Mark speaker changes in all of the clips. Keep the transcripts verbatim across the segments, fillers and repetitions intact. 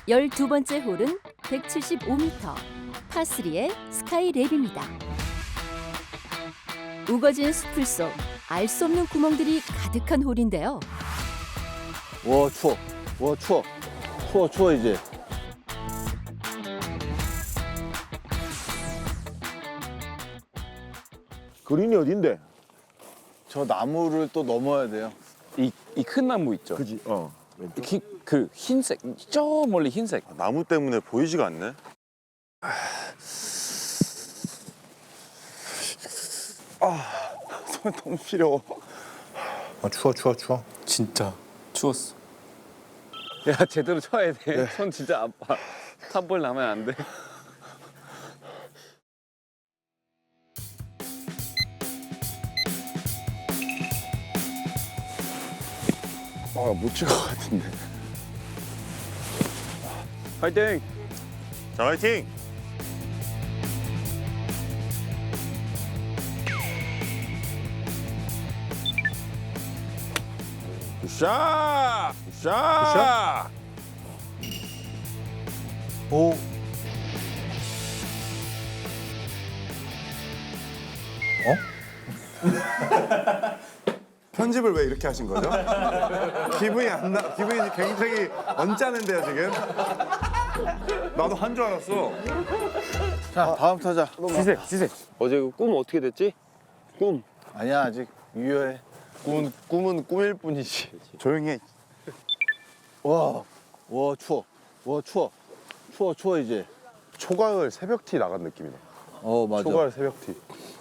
Speaker 1: 열두 번째 홀은 백칠십오 미터 파삼의 스카이랩입니다. 우거진 숲을 속 알 수 없는 구멍들이 가득한 홀인데요.
Speaker 2: 와 추워. 와 추워. 추워 추워 이제.
Speaker 3: 그린이 어딘데?
Speaker 2: 저 나무를 또 넘어야 돼요.
Speaker 4: 이 이 큰 나무 있죠?
Speaker 3: 그지? 어. 왼쪽?
Speaker 4: 기, 그 흰색, 저 멀리 흰색.
Speaker 5: 나무 때문에 보이지가 않네.
Speaker 3: 손 너무 시려워.
Speaker 2: 아 추워 추워 추워.
Speaker 4: 진짜 추웠어. 야, 제대로 쳐야 돼. 손 진짜 아파. 탑볼 나면 안 돼.
Speaker 3: 아, 못 칠 것 같은데.
Speaker 4: 화이팅!
Speaker 5: 자, 화이팅!
Speaker 3: 굿샷! 굿샷!
Speaker 2: 오.
Speaker 3: 편집을 왜 이렇게 하신 거죠? 기분이 안 나, 기분이 굉장히 언짢은데요, 지금? 나도 한 줄 알았어.
Speaker 2: 자 다음 타자.
Speaker 4: 시세, 시세.
Speaker 6: 어제 그 꿈 어떻게 됐지? 꿈.
Speaker 2: 아니야 아직 유효해.
Speaker 6: 꿈 꿈은 꿈일 뿐이지.
Speaker 3: 조용히 해.
Speaker 2: 와. 와 추워. 와 추워. 추워 추워 이제.
Speaker 3: 초가을 새벽티 나간 느낌이네.
Speaker 2: 어 맞아.
Speaker 3: 초가을 새벽티.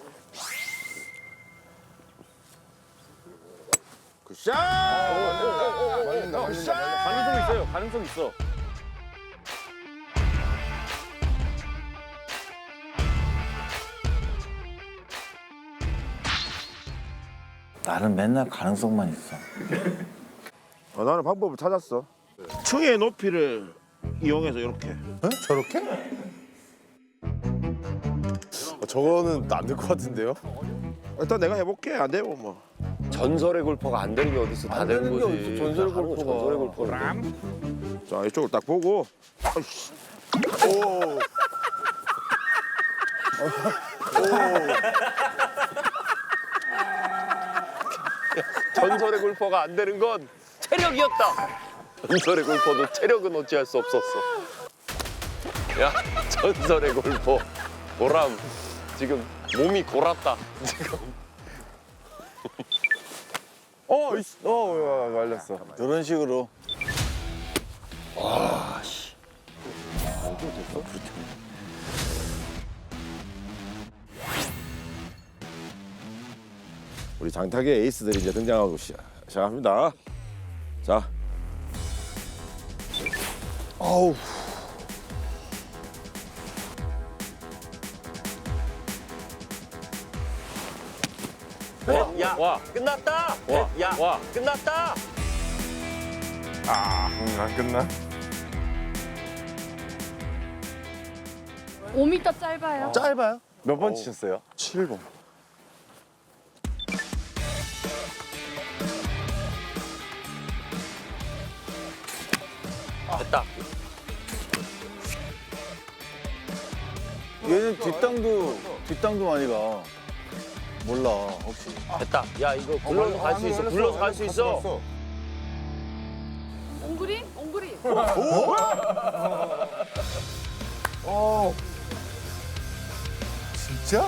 Speaker 3: 굿샷! 말린다, 말린다.
Speaker 4: 가능성 있어요. 가능성 있어.
Speaker 2: 나는 맨날 가능성만 있어.
Speaker 3: 어, 나는 방법을 찾았어. 층의 높이를 이용해서 이렇게.
Speaker 2: 응? 저렇게?
Speaker 3: 어, 저거는 안 될 것 같은데요? 일단 내가 해볼게. 안 되면 뭐.
Speaker 6: 전설의 골퍼가 안 되는 게 어딨어? 다
Speaker 2: 안
Speaker 6: 되는
Speaker 2: 되는 게
Speaker 6: 거지.
Speaker 2: 어딨어, 전설의
Speaker 6: 하는 거
Speaker 2: 골퍼가.
Speaker 6: 전설의 골퍼가.
Speaker 3: 자, 이쪽을 딱 보고. 아이씨. 오.
Speaker 6: 전설의 골퍼가 안 되는 건 체력이었다. 전설의 골퍼도 체력은 어찌할 수 없었어. 야, 전설의 골퍼 보람 지금 몸이 골았다. 지금.
Speaker 3: 어, 이씨. 어, 말렸어.
Speaker 2: 이런 식으로.
Speaker 3: 우리 장타계 에이스들이 이제 등장하고 시, 시작합니다. 자. 아우.
Speaker 6: 야,
Speaker 4: 와.
Speaker 6: 끝났다.
Speaker 4: 와,
Speaker 6: 야,
Speaker 4: 와.
Speaker 6: 끝났다.
Speaker 3: 아, 음, 안 끝나?
Speaker 7: 오 미터 짧아요.
Speaker 2: 짧아요?
Speaker 3: 몇 번 치셨어요?
Speaker 2: 칠 번.
Speaker 6: 됐다.
Speaker 2: 얘는 뒷땅도 뒷땅도 많이 가. 몰라 혹시.
Speaker 6: 됐다. 야, 이거 굴러서 갈 수 있어. 굴러서 갈 수 있어.
Speaker 7: 옹그린? 옹그린.
Speaker 2: 어. 진짜?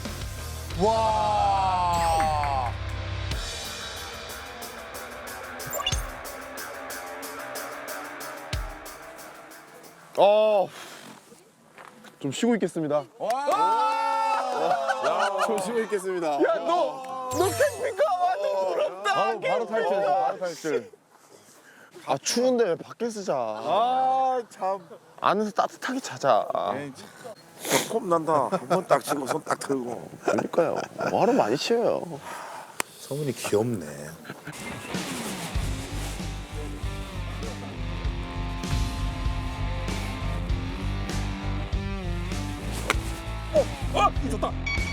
Speaker 2: 와.
Speaker 3: 어. 좀 쉬고 있겠습니다. 좀 쉬고 있겠습니다. 야, 너, 너 캠핑카 완전 부럽다. 바로, 바로 탈출, 바로 탈출. 아, 추운데 왜 밖에 쓰자. 아, 참. 안에서 따뜻하게 자자. 폼 난다. 한 번 딱 치고 손 딱 들고. 그러니까요. 뭐하러 많이 치어요.
Speaker 2: 성훈이 귀엽네.
Speaker 3: 어, 이 좋다.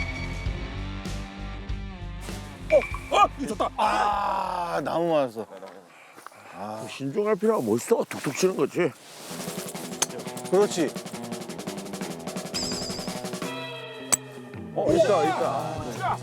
Speaker 3: 어, 어, 이 좋다.
Speaker 2: 아 나무 맞았어.
Speaker 3: 신중할 필요가 뭐 있어? 툭툭 치는 거지.
Speaker 2: 그렇지. 어, 있다, 있다.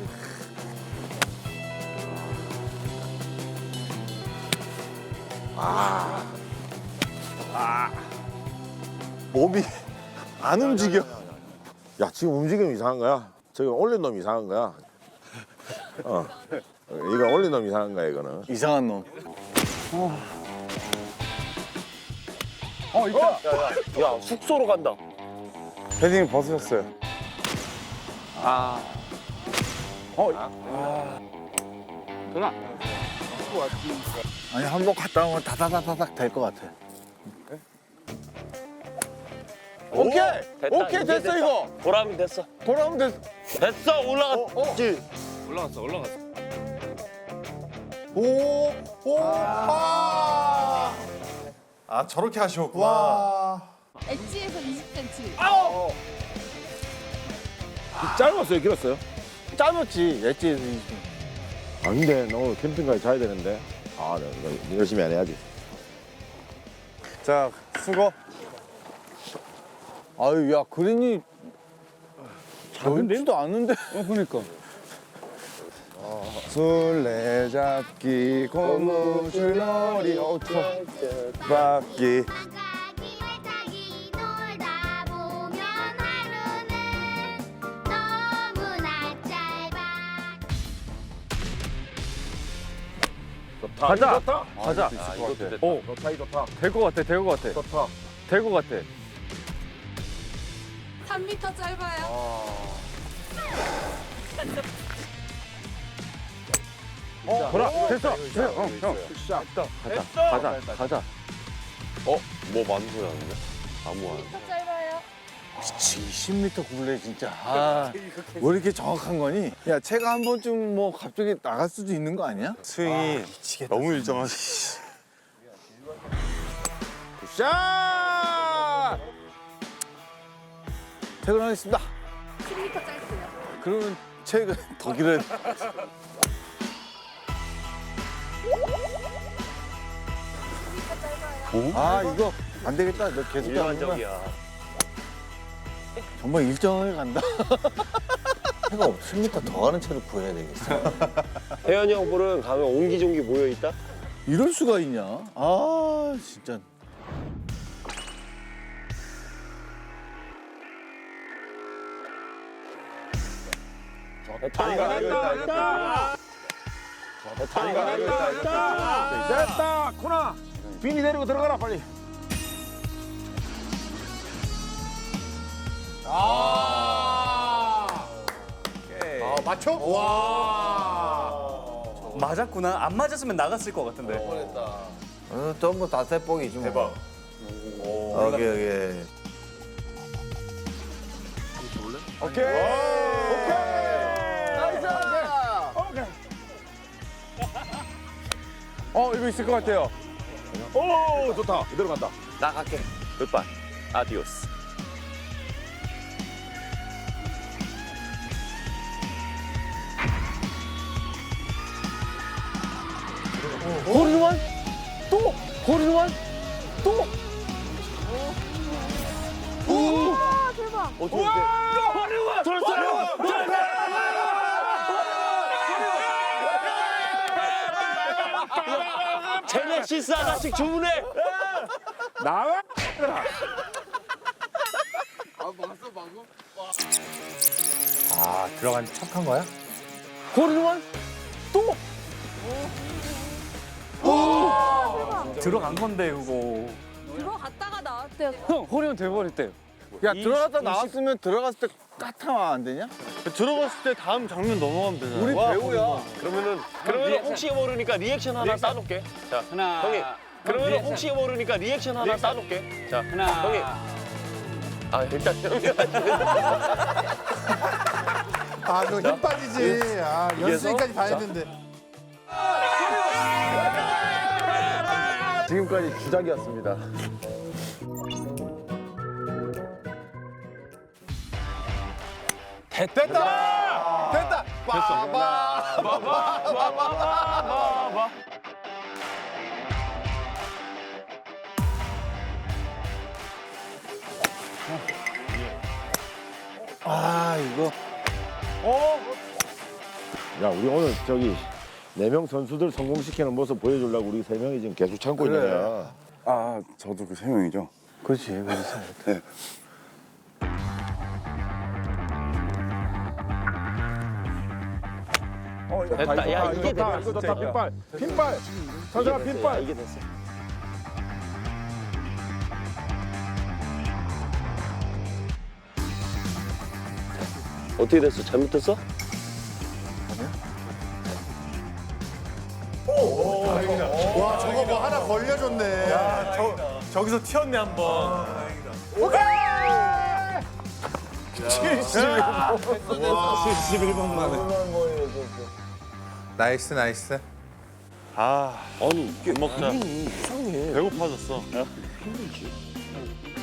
Speaker 3: 몸이 안 움직여. 야, 지금 움직임 이상한 거야. 지금 올린 놈 이상한 거야. 어. 이거 올린 놈 이상한 거야, 이거는.
Speaker 2: 이상한 놈.
Speaker 6: 야, 숙소로 간다.
Speaker 3: 패딩 벗으셨어요.
Speaker 4: 아.
Speaker 2: 아니, 한 번 갔다 오면 다다다다닥 될 것 같아.
Speaker 3: 오케이!
Speaker 6: 됐다,
Speaker 3: 오케이,
Speaker 6: 이제
Speaker 3: 됐어,
Speaker 6: 됐다.
Speaker 3: 이거.
Speaker 6: 보람이 됐어.
Speaker 3: 돌아오면 됐어.
Speaker 6: 됐어, 올라갔지.
Speaker 4: 올라갔어, 올라갔어.
Speaker 3: 오, 오, 아.
Speaker 5: 아 저렇게 하셨구나.
Speaker 7: 엣지에서 이십 센티미터.
Speaker 3: 짧았어요, 길었어요?
Speaker 2: 짜였지, 엣지에서.
Speaker 3: 안 돼, 너 오늘 캠핑까지 자야 되는데. 아, 나 이거 열심히 안 해야지.
Speaker 2: 자, 수고. 아유, 야, 그린이 넓지도 않은데.
Speaker 4: 어, 그러니까.
Speaker 3: 술래잡기, 고무줄놀이, 오토바퀴.
Speaker 8: 나가기 외타기 놀다 보면 하루는 너무나 짧아.
Speaker 4: 가자.
Speaker 3: 가자.
Speaker 6: 아, 이것도 됐다.
Speaker 4: 오,
Speaker 3: 좋다, 좋다.
Speaker 4: 될 것 같아, 될 것 같아.
Speaker 3: 좋다.
Speaker 4: 될 것 같아.
Speaker 7: 삼 미터 짧아요.
Speaker 3: 어,
Speaker 4: 보라, 됐어. 그래, 어, 형.
Speaker 3: 샷.
Speaker 4: 가자, 가자, 가자.
Speaker 6: 어? 뭐 많은 소리 하는데? 아무 안.
Speaker 7: 미터 짧아요.
Speaker 2: 이십 미터 굴레 진짜. 아, 왜 이렇게 정확한 거니? 야, 채가 한 번쯤 뭐 갑자기 나갈 수도 있는 거 아니야?
Speaker 5: 스윙이 너무 일정하시.
Speaker 2: 샷! 퇴근하겠습니다.
Speaker 7: 십 미터 짧고요.
Speaker 2: 그러면 채가 더 길어야 돼. 아, 이거 안 되겠다. 너 계속 가는구나.
Speaker 6: 일반적이야.
Speaker 2: 정말 일정을 간다. 채가 십 미터 더 가는 채를 구해야 되겠어.
Speaker 6: 혜연이 형 볼은 가면 옹기종기 모여 있다.
Speaker 2: 이럴 수가 있냐? 아, 진짜.
Speaker 6: 됐다, 됐다, 됐다.
Speaker 3: 됐다, 코나. 비니 데리고 들어가라, 빨리.
Speaker 9: 맞았구나. 안 맞았으면 나갔을 것 같은데.
Speaker 2: 어, 전부 다 세복이지 뭐. 대박. 여기 여기.
Speaker 3: 오케이. 오케이. 나이스. 오케이. 어, 이거 있을 것 같아요. 오, 좋다. 이대로 간다.
Speaker 6: 나 갈게. 굿바이. 아디오스.
Speaker 4: 홀인원? 또? 홀인원? 또?
Speaker 7: 와 대박.
Speaker 6: 어, 좋은데.
Speaker 4: 홀인원! 홀인원!
Speaker 6: 제네시스 하나씩 주문해.
Speaker 3: 나와.
Speaker 9: 아, 들어간 척한 거야?
Speaker 4: 홀인원? 또?
Speaker 9: 들어간 건데, 그거.
Speaker 7: 들어갔다가 나왔대요.
Speaker 4: 형, 홀인원 돼버렸대요.
Speaker 2: 야, 들어갔다 나왔으면 들어갔을 때 까타면 안 되냐?
Speaker 5: 들어갔을 때 다음 장면 넘어가면 되잖아.
Speaker 2: 우리 배우야.
Speaker 6: 그러면은 그러면 혹시 모르니까 리액션 하나 따놓게. 자,
Speaker 4: 하나.
Speaker 6: 형님. 그러면 혹시 모르니까 리액션 하나 따놓게. 자,
Speaker 4: 하나.
Speaker 6: 형님. 아, 일단 형님.
Speaker 3: 아, 그거 힘 빠지지. 아, 연습생까지 다 했는데. 지금까지 주작이었습니다. 됐다! 됐다! 빠바! 빠바!
Speaker 2: 이거.
Speaker 3: 야 우리 오늘 저기 네 명 선수들 성공시키는 모습 보여주려고 우리 세 명이 지금 계속 참고 있는 거야.
Speaker 5: 아 저도 그 세 명이죠.
Speaker 2: 그렇지, 그렇지.
Speaker 5: 네.
Speaker 6: 됐다. 야 이게 됐다.
Speaker 3: 이거 좋다. 핀발, 핀발. 선수가 핀발.
Speaker 6: 이게 됐어. 어떻게 됐어? 잘못됐어?
Speaker 3: 와 저거 뭐 하나 걸려줬네.
Speaker 5: 저 저기서 튀었네 한 번.
Speaker 2: 칠십일 번 만에.
Speaker 5: 나이스 나이스. 아
Speaker 6: 아니 이게
Speaker 5: 먹자.
Speaker 6: 이상해.
Speaker 5: 배고파졌어.